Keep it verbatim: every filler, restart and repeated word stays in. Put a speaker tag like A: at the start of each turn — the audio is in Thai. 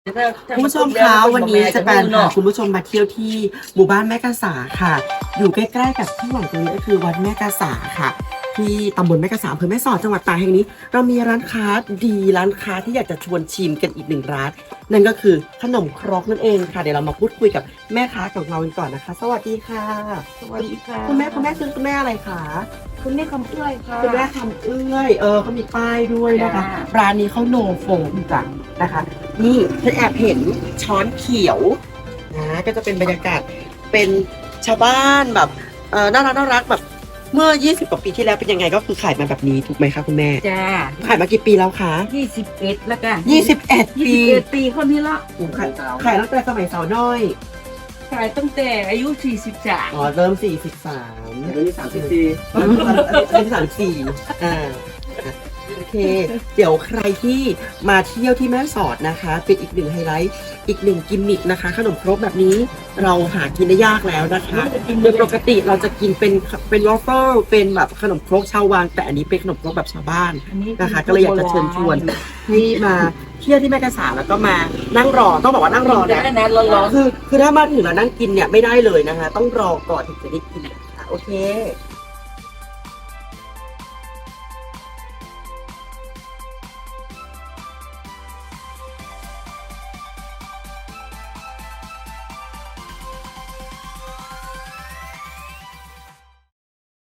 A: คุณผู้ชมคะวันนี้จะเป็นพาคุณผู้ชมมาเที่ยวที่หมู่บ้านแม่กาสาค่ะอยู่ใกล้ๆกับที่หลังตรงนี้ก็คือวัดแม่กาสาค่ะที่ตำบลแม่กาสาอำเภอแม่สอดจังหวัดตากแห่งนี้เรามีร้านค้าดีร้านค้าที่อยากจะชวนชิมกันอีกหนึ่งร้านนั่นก็คือขนมครกนั่นเองค่ะเดี๋ยวเรามาพูดคุยกับแม่ค้าของเรากันก่อนนะคะสวัสดีค่ะ
B: สวัสดีค่ะ
A: คุณแม่คุณแม่คือคุณแม่อะไรคะ
B: คุณแม่คำเอื้อยค่ะ
A: คุณแม่ทำเอื้อยเออเขามีป้ายด้วยนะคะ
B: จ้า
A: ร้านนี้เขาโนโฟมจ้ะนะคะ นี่ฉันแอบเห็นช้อนเขียวนะก็จะเป็นบรรยากาศเป็นชาวบ้านแบบเออน่ารักน่ารักแบบเมื่อยี่สิบกว่าปีที่แล้วเป็นยังไงก็คือขายมาแบบนี้ถูกไหมคะคุณแม่
B: จ้า
A: ขายมากี่ปีแล้วคะ
B: ยี่สิบเอ็ดแล้วกัน
A: ยี่สิบเอ็ด
B: ยี่
A: ปี
B: สิบเอ็ดปีคนนี้ละ
A: โอ้ขายขายตั้งแต่สมัยสาวน้อย
B: ขายตั้งแต่อายุสี่สิบสาม
A: อ๋อเริ่มสี่สิบสาม
C: เดี๋ยวนี้สามสิบสี่
A: อันนี้สามสี่อ่าโอเค เดี๋ยวใครที่มาเที่ยวที่แม่สอดนะคะ เป็นอีกหนึ่งไฮไลท์ อีกหนึ่งกิมมิคนะคะ ขนมครกแบบนี้เราหากินได้ยากแล้วนะคะโดยปกติเราจะกินเป็นเป็นวอฟเฟิลเป็นแบบขนมครกชาววังแต่อันนี้เป็นขนมครกแบบชาวบ้านนะคะ ก็เลยอยากจะเชิญชวนให้มาเที่ยวที่แม่กาสาแล้วก็มานั่งรอต้องบอกว่านั่งรอ
B: ได้
A: นะ
B: นะร้อน
A: คือคือถ้ามาถึงแล้วนั่งกินเนี่ยไม่ได้เลยนะคะ ต้องรอก่อนถึงจะได้กินนะคะโอเค